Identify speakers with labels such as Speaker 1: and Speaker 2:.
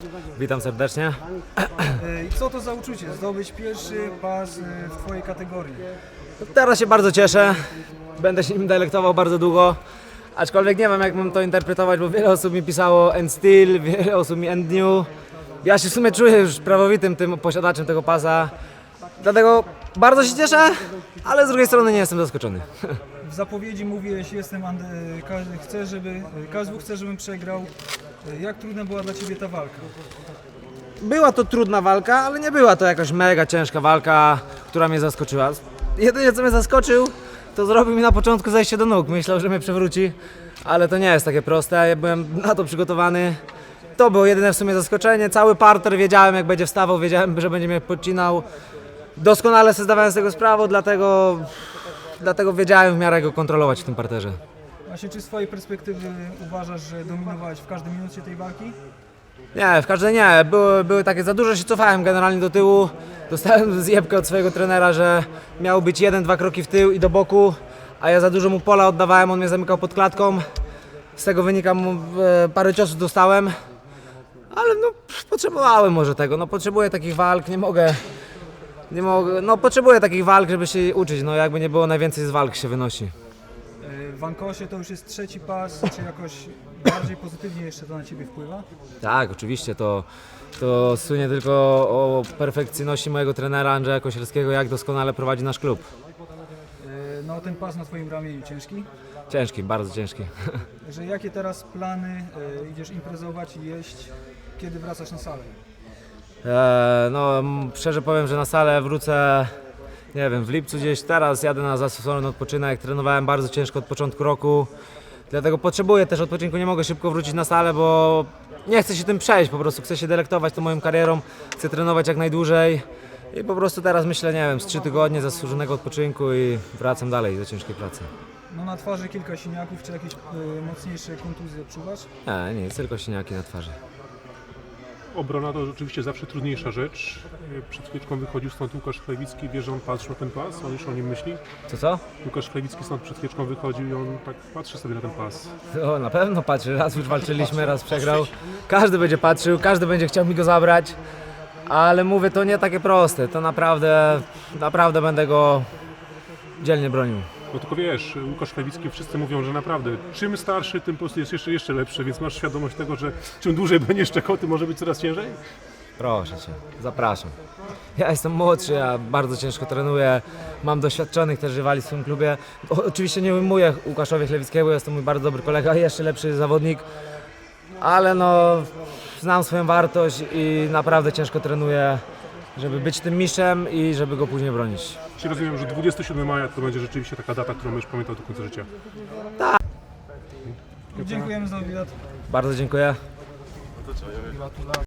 Speaker 1: Witam serdecznie.
Speaker 2: I co to za uczucie, zdobyć pierwszy pas w Twojej kategorii?
Speaker 1: Teraz się bardzo cieszę. Będę się nim delektował bardzo długo. Aczkolwiek nie wiem, jak mam to interpretować, bo wiele osób mi pisało end still, wiele osób mi end new. Ja się w sumie czuję już prawowitym tym posiadaczem tego pasa. Dlatego bardzo się cieszę, ale z drugiej strony nie jestem zaskoczony.
Speaker 2: W zapowiedzi mówiłeś, KSW chce, żebym przegrał. Jak trudna była dla Ciebie ta walka?
Speaker 1: Była to trudna walka, ale nie była to jakaś mega ciężka walka, która mnie zaskoczyła. Jedynie co mnie zaskoczył, to zrobił mi na początku zejście do nóg. Myślał, że mnie przewróci, ale to nie jest takie proste. Ja byłem na to przygotowany. To było jedyne w sumie zaskoczenie. Cały parter wiedziałem, jak będzie wstawał, wiedziałem, że będzie mnie podcinał. Doskonale sobie zdawałem z tego sprawę, dlatego wiedziałem w miarę go kontrolować w tym parterze.
Speaker 2: Właśnie, czy z Twojej perspektywy uważasz, że dominowałeś w każdej minucie tej walki?
Speaker 1: Nie, w każdej nie. Były takie, za dużo się cofałem generalnie do tyłu. Dostałem zjebkę od swojego trenera, że miał być 1-2 kroki w tył i do boku, a ja za dużo mu pola oddawałem, on mnie zamykał pod klatką. Z tego wynika, parę ciosów dostałem, ale no potrzebowałem może tego. No potrzebuję takich walk, nie mogę, no potrzebuję takich walk, żeby się uczyć. No jakby nie było, najwięcej z walk się wynosi.
Speaker 2: W Ankosie to już jest trzeci pas, czy jakoś bardziej pozytywnie jeszcze to na Ciebie wpływa?
Speaker 1: Tak, oczywiście, to słynie tylko o perfekcyjności mojego trenera Andrzeja Kosielskiego, jak doskonale prowadzi nasz klub.
Speaker 2: No ten pas na Twoim ramieniu ciężki?
Speaker 1: Ciężki, bardzo ciężki.
Speaker 2: Że jakie teraz plany, idziesz imprezować i jeść, kiedy wracasz na salę?
Speaker 1: No, szczerze powiem, że na salę wrócę, nie wiem, w lipcu gdzieś. Teraz jadę na zastosowany odpoczynek, trenowałem bardzo ciężko od początku roku, dlatego potrzebuję też odpoczynku, nie mogę szybko wrócić na salę, bo nie chcę się tym przejść, po prostu chcę się delektować tą moją karierą, chcę trenować jak najdłużej i po prostu teraz myślę, nie wiem, z 3 tygodnie zasłużonego odpoczynku i wracam dalej do ciężkiej pracy.
Speaker 2: No na twarzy kilka siniaków, czy jakieś mocniejsze kontuzje odczuwasz?
Speaker 1: Nie, nic, tylko siniaki na twarzy.
Speaker 3: Obrona to rzeczywiście zawsze trudniejsza rzecz. Przed chwileczką wychodził stąd Łukasz Chlewicki, wie, że on patrzy na ten pas, on już o nim myśli.
Speaker 1: Co?
Speaker 3: Łukasz Chlewicki stąd przed chwileczką wychodził i on tak patrzy sobie na ten pas.
Speaker 1: O, na pewno patrzy, raz już walczyliśmy, raz przegrał. Każdy będzie patrzył, każdy będzie chciał mi go zabrać, ale mówię, to nie takie proste, to naprawdę będę go dzielnie bronił.
Speaker 3: No tylko wiesz, Łukasz Chlewicki, wszyscy mówią, że naprawdę czym starszy, tym po prostu jest jeszcze lepszy, więc masz świadomość tego, że czym dłużej będziesz czekał, tym może być coraz ciężej?
Speaker 1: Proszę Cię, zapraszam. Ja jestem młodszy, ja bardzo ciężko trenuję, mam doświadczonych też rywali w swoim klubie. Oczywiście nie ujmuję Łukaszowi Chlewickiemu, jest to mój bardzo dobry kolega, jeszcze lepszy zawodnik, ale no znam swoją wartość i naprawdę ciężko trenuję, żeby być tym mistrzem i żeby go później bronić.
Speaker 3: Czyli rozumiem, że 27 maja to będzie rzeczywiście taka data, którą będziesz pamiętał do końca życia.
Speaker 2: Dziękujemy za wywiad.
Speaker 1: Bardzo dziękuję.